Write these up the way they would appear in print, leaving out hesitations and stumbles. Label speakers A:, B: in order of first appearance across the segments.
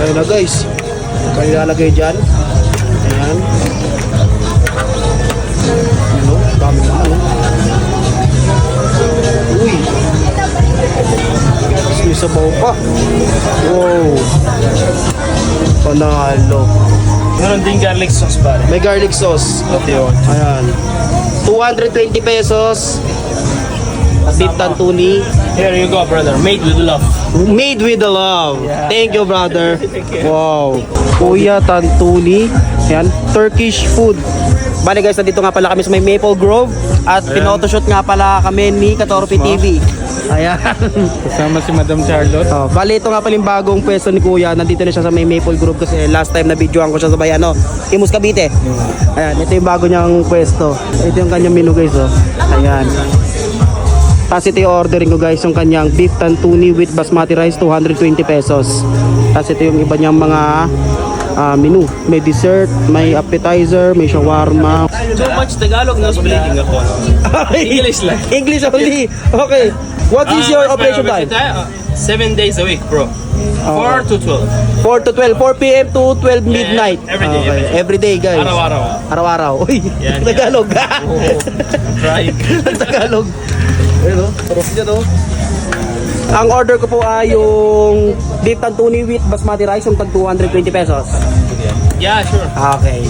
A: Ayun na guys. Kaya ilalagay dyan. Ayan. Ano? Dami na ano. Uy. May sabaw pa. Wow. Panalo.
B: Meron din garlic sauce pare.
A: May garlic sauce.
B: Okay, yun.
A: Ayan. 220 pesos. Beef tantuni.
B: Here you go, brother. Made with love.
A: Made with the love.
B: Yeah.
A: Thank you, brother.
B: Thank you.
A: Wow. Kuya Tantuni. Ayan. Turkish food. Bali guys, nandito nga pala kami sa may Maple Grove. At pinotoshoot nga pala kami ni Katorpe TV. Ayan.
B: Kasama si Madam Charlotte.
A: Oh, bali ito nga pala yung bagong pwesto ni Kuya. Nandito na siya sa may Maple Grove kasi last time na videoan ko siya sa may Imus Cavite. Ayan, ito yung bago niyang pwesto. Ito yung kanyang menu guys, oh. Ayan. Tapos ito yung ordering ko guys, yung kanyang beef tantuni with basmati rice, 220 pesos. Tapos ito yung iba niyang mga menu. May dessert, may appetizer, may shawarma.
B: So much Tagalog, no speaking ako. English lang.
A: English only. Okay. What is your operation time?
B: 7 days a week, bro. 4 to 12.
A: 4 to 12, 4 p.m. to 12 midnight.
B: Every day,
A: Okay. Every day guys.
B: Araw-araw.
A: Araw-araw. Uy,
B: Yan,
A: Tagalog.
B: Right.
A: Tagalog. Ayun o, sarap niya to. Ang order ko po ay yung beef tantuni with basmati rice, yung tag 220 pesos.
B: Yeah, sure.
A: Okay.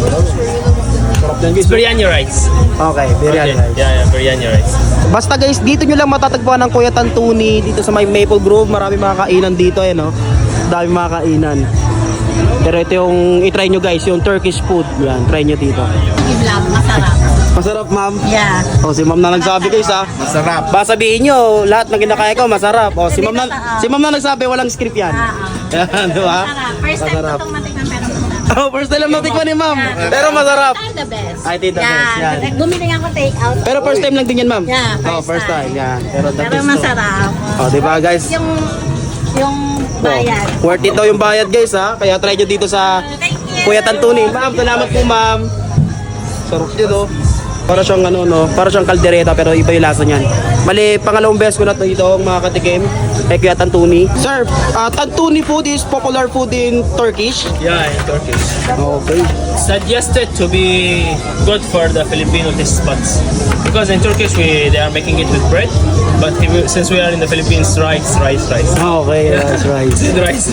A: Sarap yan guys.
B: It's biryani rice.
A: Okay, biryani rice.
B: Yeah, biryani rice.
A: Basta guys, dito nyo lang matatagpuan ng Kuya Tantuni dito sa may Maple Grove. Marami mga kainan dito eh, no? Dami mga kainan. Pero ito yung i-try nyo guys, yung Turkish food. Yan, try nyo dito.
C: Vlog, masarap.
A: Masarap, ma'am.
C: Yeah.
A: O, si ma'am na nagsabi guys ha.
B: Masarap.
A: Ba sabihin nyo, lahat ng kinakain ko masarap. O, si ma'am na nagsabi, walang script yan. Yan, di ba?
C: Masarap. First time ko
A: Masarap.
C: itong matikman pero masarap.
A: Oh, first time lang natikman ni ma'am. Pero masarap.
C: I'm the best.
A: I think the best, yan.
C: Bumili ako take out.
A: Pero first time lang din yan, ma'am.
C: Yeah,
A: Oh, first time. Yan. Pero the
C: Pero
A: best to.
C: masarap.
A: O, di ba guys?
C: Yung bayad.
A: Worth it daw yung bayad guys ha. Kaya try nyo dito sa
C: Thank you.
A: Kuya Tantuni. Ma'am, salamat po ma'am. Sarap nyo no. Para siyang ano no, para siyang kaldereta pero iba yung lasa niyan. Mali, pangalawang beses ko na ito ang mga katikim kay Kuya Tantuni. Sir, Tantuni food is popular food in Turkish.
B: Yeah, in Turkish.
A: Okay.
B: Suggested to be good for the Filipino taste buds. Because in Turkish they are making it with bread, but since we are in the Philippines, rice.
A: Okay, that's right.
B: This is rice.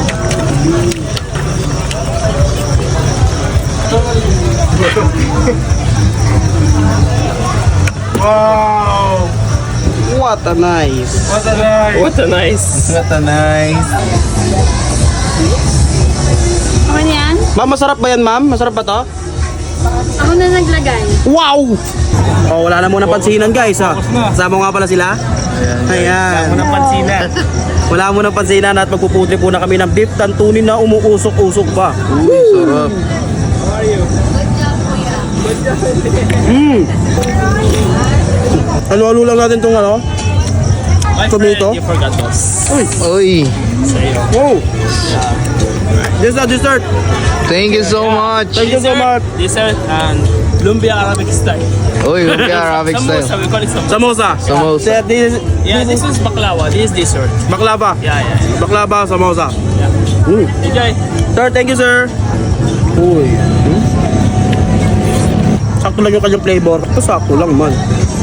B: Wow!
A: What a nice.
B: What a nice! What a nice!
D: What a nice.
C: Ako na yan?
A: Ma'am, masarap ba yan ma'am? Masarap ba to?
C: Ako na naglagay.
A: Wow! Oh, wala na muna pansinan guys ha. Kasama nga pala sila. Ayan.
B: Unang pansinan.
A: Wala mo ng pansinan at magpuputri po na kami ng beef tantuni na umuusok-usok pa.
D: Uy, sarap.
A: Halo-halo lang natin itong ano.
B: My
A: Tomato?
B: friend, you forgot us.
D: Uy,
A: Wow! This is the dessert.
D: thank you so much.
A: Thank you so much.
B: Dessert and lumpia Arabic style.
D: Uy, lumpia Arabic
B: Samosa,
D: style.
B: we call it samosa.
A: Samosa.
D: Samosa.
A: Sir,
B: Yeah, this is baklava. This is dessert.
A: baklava.
B: Yeah.
A: Baklava, samosa.
B: Enjoy.
A: Sir, thank you sir. Uy. Sakto lang yung kanyang flavor. Ito sakto lang man.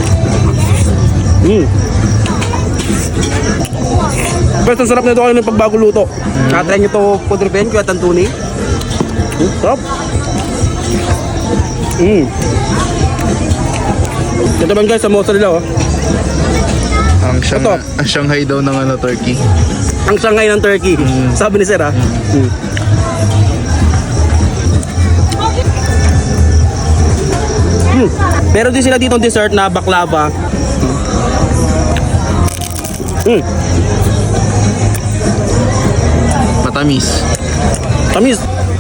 A: Basta sarap na ito kayo ng pagbago luto. Try nyo ito pudripin, Kuya Tantuni. Sarap. Ito naman guys, samosa nila oh. Ito.
D: Ang Shanghai daw ng ano, turkey.
A: Ang Shanghai ng Turkey. Sabi ni Sir ha. Meron din sila dito dessert na baklava.
D: Matamis.
A: Tamis.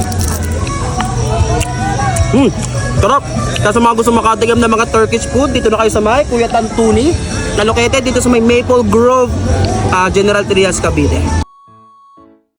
A: Sarap. Kaya sa mga gusto makatigam ng mga Turkish food, dito na kayo sa may Kuya Tantuni, na located dito sa may Maple Grove, General Trias, Cavite.